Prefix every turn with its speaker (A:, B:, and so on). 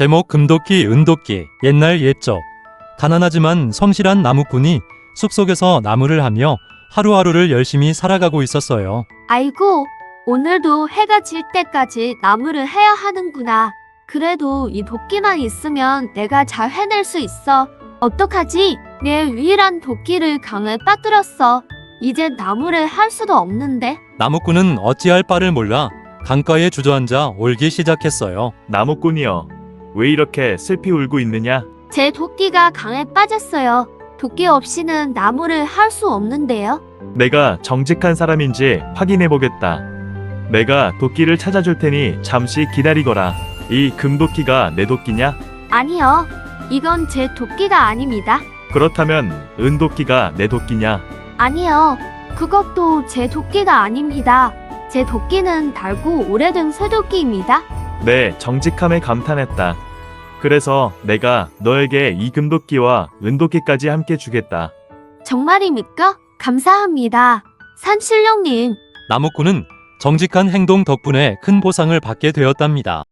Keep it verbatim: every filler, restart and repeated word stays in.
A: 제목 금도끼 은도끼. 옛날 옛적 가난하지만 성실한 나무꾼이 숲속에서 나무를 하며 하루하루를 열심히 살아가고 있었어요.
B: 아이고, 오늘도 해가 질 때까지 나무를 해야 하는구나. 그래도 이 도끼만 있으면 내가 잘 해낼 수 있어. 어떡하지? 내 유일한 도끼를 강에 빠뜨렸어. 이제 나무를 할 수도 없는데.
A: 나무꾼은 어찌할 바를 몰라 강가에 주저앉아 울기 시작했어요.
C: 나무꾼이여, 왜 이렇게 슬피 울고 있느냐?
B: 제 도끼가 강에 빠졌어요. 도끼 없이는 나무를 할 수 없는데요.
C: 내가 정직한 사람인지 확인해 보겠다. 내가 도끼를 찾아줄 테니 잠시 기다리거라. 이 금도끼가 내 도끼냐?
B: 아니요. 이건 제 도끼가 아닙니다.
C: 그렇다면 은도끼가 내 도끼냐?
B: 아니요. 그것도 제 도끼가 아닙니다. 제 도끼는 달고 오래된 쇠도끼입니다.
C: 내 정직함에 감탄했다. 그래서 내가 너에게 이 금도끼와 은도끼까지 함께 주겠다.
B: 정말입니까? 감사합니다. 산신령님.
A: 나무꾼은 정직한 행동 덕분에 큰 보상을 받게 되었답니다.